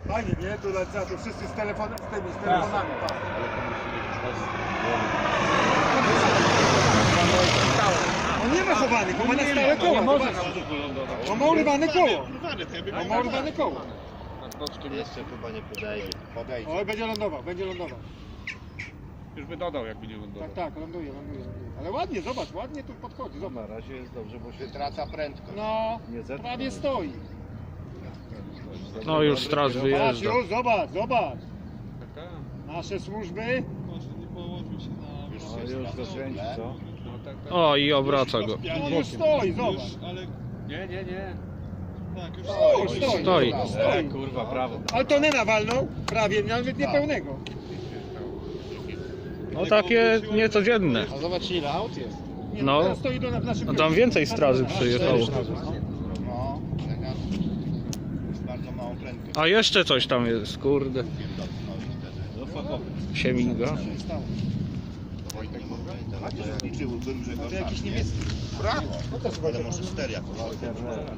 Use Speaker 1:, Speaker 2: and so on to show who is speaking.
Speaker 1: Fajnie, nie? Tu lecą, tu wszyscy z telefonami, z telefonami, tak. On nie ma chowanych, on ma na stałe koło. On ma urywane koło. On ma urywane koło.
Speaker 2: Jeszcze chyba nie podejdzie.
Speaker 1: Oj, będzie lądował, będzie lądował.
Speaker 3: Już by dodał, jakby nie lądował.
Speaker 1: Tak, tak, ląduje. Ale ładnie, zobacz, ładnie tu podchodzi, zobacz.
Speaker 2: Na razie jest dobrze, bo się wytraca prędkość.
Speaker 1: No,
Speaker 2: Nie zetknął.
Speaker 1: prawie stoi.
Speaker 4: No już straż
Speaker 1: Zobacz,
Speaker 4: wyjeżdża.
Speaker 1: już, zobacz, zobacz.
Speaker 3: Tak, tak.
Speaker 1: Nasze służby.
Speaker 2: Już zakręci, co?
Speaker 3: No, tak, tak.
Speaker 4: O, i obraca go.
Speaker 1: On już stoi, zobacz.
Speaker 3: Nie, nie, nie.
Speaker 1: Stoi.
Speaker 4: Stoi.
Speaker 2: Kurwa, prawo.
Speaker 1: Ale to nie nawalną, prawie, nawet niepełnego.
Speaker 4: No takie niecodzienne.
Speaker 2: A zobacz ile aut jest.
Speaker 1: Nie,
Speaker 4: No.
Speaker 1: teraz stoi do, w naszym
Speaker 4: No tam
Speaker 1: biurze.
Speaker 4: więcej straży przyjechało.
Speaker 2: No, jest bardzo małą prędkość.
Speaker 4: A jeszcze coś tam jest, kurde. Się miga.
Speaker 2: Wojtek liczyłbym, że go
Speaker 1: To jakiś niemiecki.
Speaker 2: Brawo! Ale może steria.